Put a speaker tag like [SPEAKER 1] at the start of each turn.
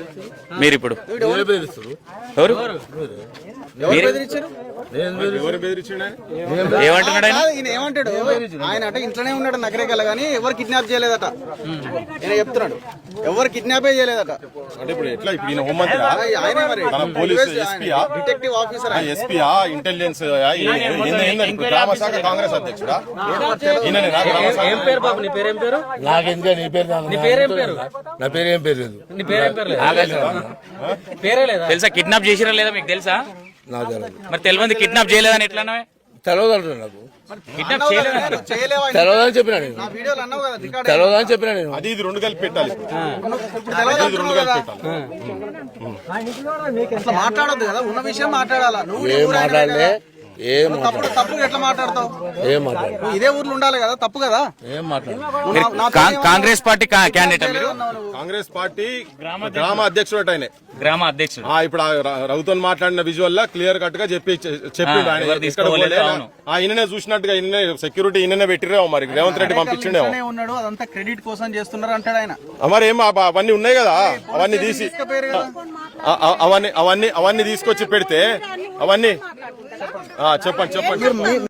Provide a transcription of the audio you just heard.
[SPEAKER 1] మీరు ఇప్పుడు ఎవరు ఏమంటున్నాడు ఆయన?
[SPEAKER 2] ఈయన ఏమంటాడు? ఆయన అంటే ఇంట్లోనే ఉన్నాడు నగరేకల్ గానీ ఎవరు కిడ్నాప్ చేయలేదట. ఈయన చెప్తున్నాడు ఎవరు కిడ్నాపే చేయలేదట.
[SPEAKER 3] అంటే ఇప్పుడు ఎట్లా ఇప్పుడు ఈయన హోంమంత్రి
[SPEAKER 2] ఆయనే మరి
[SPEAKER 3] పోలీసు ఎస్పీయా
[SPEAKER 2] డిటెక్టివ్ ఆఫీసర్
[SPEAKER 3] ఎస్పీయా ఇంటెలిజెన్స్ గ్రామ శాఖ కాంగ్రెస్ అధ్యక్షుడా
[SPEAKER 4] ఏం పేరు బాబు? నీ పేరేం పేరు?
[SPEAKER 5] నాకెందుకు నీ పేరు?
[SPEAKER 4] నీ పేరేం పేరు?
[SPEAKER 5] నా పేరు ఏం పేరు లేదు.
[SPEAKER 4] నీ పేరేం పేరు లేదు? పేరే లేదా?
[SPEAKER 1] తెలుసా కిడ్నాప్ చేసిరా లేదా మీకు తెలుసా?
[SPEAKER 5] నాకు తెలియదు.
[SPEAKER 1] మరి తెలియదు కిడ్నాప్ చేయలేదని ఎట్లా అన్నావే?
[SPEAKER 5] తెలియదు అంటున్నా. నాకు
[SPEAKER 1] కిడ్నాప్ చేయలేదని
[SPEAKER 2] చేయలేవా?
[SPEAKER 5] తెలియదని చెప్పినా నేను.
[SPEAKER 2] నా వీడియోలు అన్నావు కదా రికార్డ్
[SPEAKER 5] తెలియదని చెప్పినా నేను.
[SPEAKER 3] అది ఇది రెండు కలిపి పెట్టాలి.
[SPEAKER 2] తెలియదు
[SPEAKER 3] రెండు కలిపి పెట్టాలి.
[SPEAKER 2] అట్లా మాట్లాడొద్దు కదా, ఉన్న విషయం మాట్లాడాలా. నువ్వు
[SPEAKER 5] ఏం మాట్లాడలే, ఏం
[SPEAKER 2] తప్పుడు ఎట్లా మాట్లాడతావు?
[SPEAKER 5] ఏం మాట్లాడలే.
[SPEAKER 2] నువ్వు ఇదే ఊర్లో ఉండాలి కదా, తప్పు కదా.
[SPEAKER 5] ఏం మాట్లాడలే.
[SPEAKER 1] కాంగ్రెస్ పార్టీ క్యాండిడేట్ మీరు?
[SPEAKER 3] కాంగ్రెస్ పార్టీ గ్రామ అధ్యక్షుడు ఆయన.
[SPEAKER 1] గ్రామ అధ్యక్షుడు.
[SPEAKER 3] ఇప్పుడు రఘుతో మాట్లాడిన విజువల్ లా క్లియర్ కట్ గా చెప్పిండు ఆయన. ఈయననే చూసినట్టుగా ఈయననే సెక్యూరిటీ ఈయననే పెట్టిరేమో మరి రేవంత్ రెడ్డి పంపించిండేమో.
[SPEAKER 2] ఉన్నాడు అదంతా క్రెడిట్ కోసం చేస్తున్నారు అంటాడు ఆయన.
[SPEAKER 3] మరి ఏం అవన్నీ ఉన్నాయి కదా, అవన్నీ తీసి అవన్నీ తీసుకొచ్చి పెడితే అవన్నీ చెప్పండి.